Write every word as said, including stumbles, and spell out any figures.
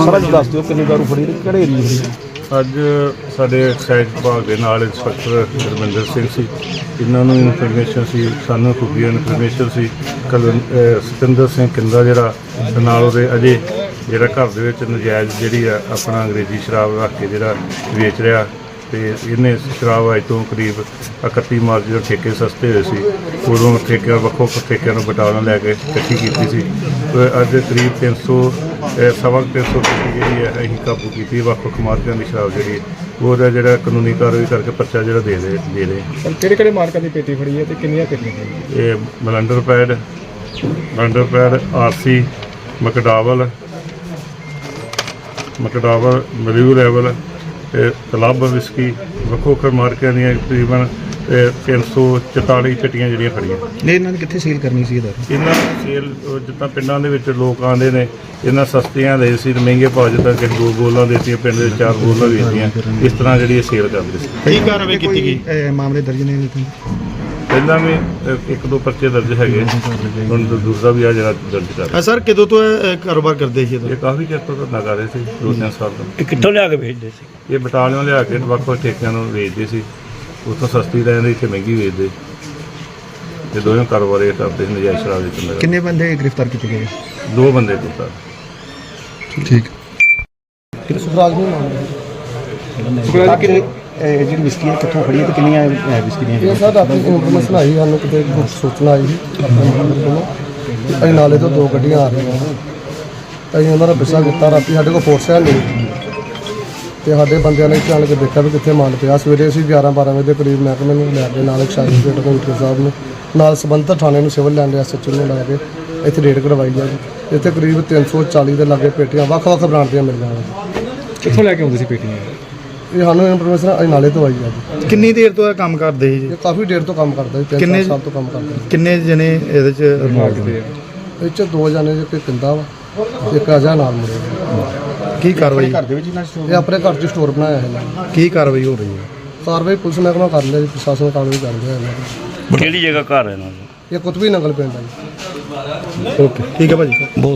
ਸਾਰਾ ਦੱਸ ਦਿਓ ਕਿੰਨੀ ਦਾਰੂ ਫੜੀ ਕਿਹੜੇ ਏਰੀਏ ਫੜੀ? ਅੱਜ ਸਾਡੇ ਐਕਸਾਈਜ਼ ਵਿਭਾਗ ਦੇ ਨਾਲ ਇੰਸਪੈਕਟਰ ਰਮਿੰਦਰ ਸਿੰਘ ਸੀ। ਇਹਨਾਂ ਨੂੰ ਇਨਫੋਰਮੇਸ਼ਨ ਸੀ, ਸਾਨੂੰ ਖੁਫੀਆ ਇਨਫੋਰਮੇਸ਼ਨ ਸੀ। ਕਲ ਸਤਿੰਦਰ ਸਿੰਘ ਕਿੰਦਾ ਜਿਹੜਾ ਤੇ ਨਾਲ ਉਹਦੇ ਅਜੇ ਜਿਹੜਾ ਘਰ ਦੇ ਵਿੱਚ ਨਜਾਇਜ਼ ਜਿਹੜੀ ਆ ਆਪਣਾ ਅੰਗਰੇਜ਼ੀ ਸ਼ਰਾਬ ਰੱਖ ਕੇ ਜਿਹੜਾ ਵੇਚ ਰਿਹਾ ਤੇ ਇਹਨੇ ਸ਼ਰਾਬ ਅੱਜ ਤੋਂ ਕਰੀਬ ਇਕੱਤੀ ਮਾਰਚ ਜਦੋਂ ਠੇਕੇ ਸਸਤੇ ਹੋਏ ਸੀ ਉਦੋਂ ਠੇਕਿਆਂ ਵੱਖੋ ਵੱਖ ਠੇਕਿਆਂ ਨੂੰ ਬਟਾਲਾ ਲੈ ਕੇ ਇਕੱਠੀ ਕੀਤੀ ਸੀ। ਅੱਜ ਕਰੀਬ ਤਿੰਨ ਸੌ ਸਵਾ ਤਿੰਨ ਸੌ ਪੇਟੀ ਜਿਹੜੀ ਹੈ ਅਸੀਂ ਕਾਬੂ ਕੀਤੀ ਵੱਖ ਵੱਖ ਮਾਰਕਿਆਂ ਦੀ ਸ਼ਰਾਬ ਜਿਹੜੀ ਉਹਦਾ ਜਿਹੜਾ ਕਾਨੂੰਨੀ ਕਾਰਵਾਈ ਕਰਕੇ ਪਰਚਾ ਜਿਹੜਾ ਦੇ ਦੇ ਦੇ ਰਹੇ। ਸਰ ਕਿਹੜੇ ਕਿਹੜੇ ਮਾਰਕਾਂ ਦੀ ਪੇਟੀ ਫੜੀ ਹੈ ਤੇ ਕਿੰਨੀਆਂ ਪੇਟੀਆਂ ਫੜੀਆਂ? ਇਹ blenders pride blenders pride RC McDowell McDowell ਮਲਿਊ ਲੈਵਲ ਤੇ ਕਲੱਬ ਵਿਸਕੀ ਵੱਖੋ ਵੱਖ ਮਾਰਕਿਆਂ ਦੀਆਂ ਤਕਰੀਬਨ ਤਿੰਨ ਸੌ ਚੁਤਾਲੀ ਚਟੀਆਂ ਜਿਹੜੀਆਂ ਫੜੀਆਂ। ਨਹੀਂ ਇਹਨਾਂ ਨੇ ਕਿੱਥੇ ਸੇਲ ਕਰਨੀ ਸੀ? ਇਹਦਾ ਇਹਨਾਂ ਸੇਲ ਜਿੱਦਾਂ ਪਿੰਡਾਂ ਦੇ ਵਿੱਚ ਲੋਕ ਆਉਂਦੇ ਨੇ ਇਹਨਾਂ ਸਸਤੀਆਂ ਦੇ ਸੀ ਮਹਿੰਗੇ ਭਾਅ ਜਿੱਦਾਂ ਕਿ ਦੋ ਬੋਲਾਂ ਦੇਤੀਆਂ ਪਿੰਡ ਦੇ ਚਾਰ ਬੋਲਾਂ ਵੇਚਦੀਆਂ ਇਸ ਤਰ੍ਹਾਂ ਜਿਹੜੀ ਇਹ ਸੇਲ ਕਰਦੇ ਸੀ। ਕੀ ਕਾਰਵਾਈ ਕੀਤੀ ਗਈ? ਮਾਮਲੇ ਦਰਜ ਨੇ ਪਹਿਲਾਂ ਵੀ ਇੱਕ ਦੋ ਪਰਚੇ ਦਰਜ ਹੈਗੇ ਹੁਣ ਦੂਸਰਾ ਵੀ ਆ ਜਿਹੜਾ ਦਰਜ ਕਰ ਰਿਹਾ। ਸਰ ਕਦੋਂ ਤੋਂ ਇਹ ਕਾਰੋਬਾਰ ਕਰਦੇ ਸੀ? ਇਹ ਕਾਫੀ ਚਿਰ ਤੋਂ ਧੰਦਾ ਕਰ ਰਹੇ ਸੀ, ਦੋ ਤਿੰਨ ਸਾਲ ਤੋਂ। ਇਹ ਕਿੱਥੋਂ ਲਿਆ ਕੇ ਵੇਚਦੇ ਸੀ? ਇਹ ਬਟਾਲਿਓਂ ਲਿਆ ਕੇ ਵੱਖ ਵੱਖ ਠੇਕਿਆਂ ਨੂੰ ਵੇਚਦੇ ਸੀ, ਉੱਥੋਂ ਸਸਤੀ ਲੈਂਦੇ ਇੱਥੇ ਮਹਿੰਗੀ ਵੇਚਦੇ ਤੇ ਦੋਵੇਂ ਕਾਰੋਬਾਰ ਇਹ ਕਰਦੇ ਸੀ ਨਜਾਇਜ਼ ਸ਼ਰਾਬ ਵੇਚਣ ਦਾ। ਕਿੰਨੇ ਬੰਦੇ ਗ੍ਰਿਫਤਾਰ ਕੀਤੇ ਗਏ? ਦੋ ਬੰਦੇ ਕੀਤਾ। ਠੀਕ ਸੁਖਰਾਜ ਨੂੰ ਮਾਮਲਾ ਸੁਖਰਾਜ ਕਿੰਨੇ ਜਿਹੜੀ ਵਿਸਕੀ ਹੈ ਕਿੱਥੋਂ ਫੜੀ ਹੈ ਤੇ ਕਿੰਨੀਆਂ ਵਿਸਕੀ ਦੀਆਂ? ਇਹ ਸਰ ਆਪਣੀ ਇਨਫੋਰਮੇਸ਼ਨ ਆਈ ਸਾਨੂੰ ਕਿਤੇ ਸੂਚਨਾ ਆਈ ਸੀ ਆਪਣੇ ਨੰਬਰ ਕੋਲੋਂ ਅਸੀਂ ਨਾਲੇ ਤੋਂ ਦੋ ਗੱਡੀਆਂ ਆ ਰਹੀਆਂ ਅਸੀਂ ਉਹਨਾਂ ਦਾ ਪਿੱਛਾ ਕੀਤਾ। ਰਾਤੀ ਸਾਡੇ ਕੋਲ ਫੋਰਸ ਹੈ ਨਹੀਂ ਤੇ ਸਾਡੇ ਬੰਦਿਆਂ ਨੇ ਚੱਲ ਕੇ ਦੇਖਿਆ ਵੀ ਕਿੱਥੇ ਮਾਲ ਪਿਆ। ਸਵੇਰੇ ਅਸੀਂ ਗਿਆਰਾਂ ਬਾਰਾਂ ਵਜੇ ਦੇ ਕਰੀਬ ਮਹਿਕਮੇ ਨੂੰ ਲੈ ਕੇ ਨਾਲ ਐਕਸਾਈਜ਼ ਰੇਟ ਕਮਿਸ਼ਨਰ ਸਾਹਿਬ ਨੂੰ ਨਾਲ ਸੰਬੰਧਿਤ ਥਾਣੇ ਨੂੰ civil lines S H O ਨੂੰ ਲੈ ਕੇ ਇੱਥੇ ਰੇਡ ਕਰਵਾਈ ਜਾਵੇ। ਇੱਥੇ ਕਰੀਬ ਤਿੰਨ ਸੌ ਚਾਲੀ ਦੇ ਲਾਗੇ ਪੇਟੀਆਂ ਵੱਖ ਵੱਖ ਬ੍ਰਾਂਡ ਦੀਆਂ ਮਿਲ ਜਾਣਗੀਆਂ। ਕਿੱਥੋਂ ਲੈ ਕੇ ਆਉਂਦੇ ਸੀ ਪੇਟੀਆਂ? ਇਹ ਸਾਨੂੰ ਇਨਫੋਰਮੇਸ਼ਨ ਅਸੀਂ ਨਾਲੇ ਤੋਂ ਆਈ ਆ ਜੀ। ਕਿੰਨੀ ਦੇਰ ਤੋਂ ਇਹ ਕੰਮ ਕਰਦੇ ਸੀ ਜੀ? ਇਹ ਕਾਫੀ ਦੇਰ ਤੋਂ ਕੰਮ ਕਰਦਾ ਜੀ, ਤਿੰਨ ਸਾਲ ਤੋਂ ਕੰਮ ਕਰਦਾ। ਕਿੰਨੇ ਜਣੇ ਇਹਦੇ ਚ ਇਨਵੋਲਵ ਨੇ? ਇਹ 'ਚ ਦੋ ਜਣੇ ਜੇ ਕੋਈ ਪਿੰਦਾ ਵਾ ਇੱਕ ਅਜਾ ਨਾਲ ਮੁੰਡੇ। ਕੀ ਕਾਰਵਾਈ? ਘਰ ਦੇ ਵਿੱਚ ਇਹ ਆਪਣੇ ਘਰ 'ਚ ਸਟੋਰ ਬਣਾਇਆ ਹੈ। ਕੀ ਕਾਰਵਾਈ ਹੋ ਰਹੀ ਹੈ? ਕਾਰਵਾਈ ਪੁਲਿਸ ਮਹਿਕਮਾ ਕਰ ਲਿਆ ਜੀ, ਪ੍ਰਸ਼ਾਸਨ ਕਾਰਵਾਈ ਕਰ ਰਿਹਾ ਇਹਨਾਂ ਦੀ। ਕਿਹੜੀ ਜਗ੍ਹਾ ਘਰ ਹੈ ਇਹਨਾਂ ਦਾ? ਇਹ ਕੁਤਬੀ ਨੰਗਲ ਪਿੰਡ ਹੈ ਜੀ। ਓਕੇ ਠੀਕ ਹੈ ਭਾਜੀ।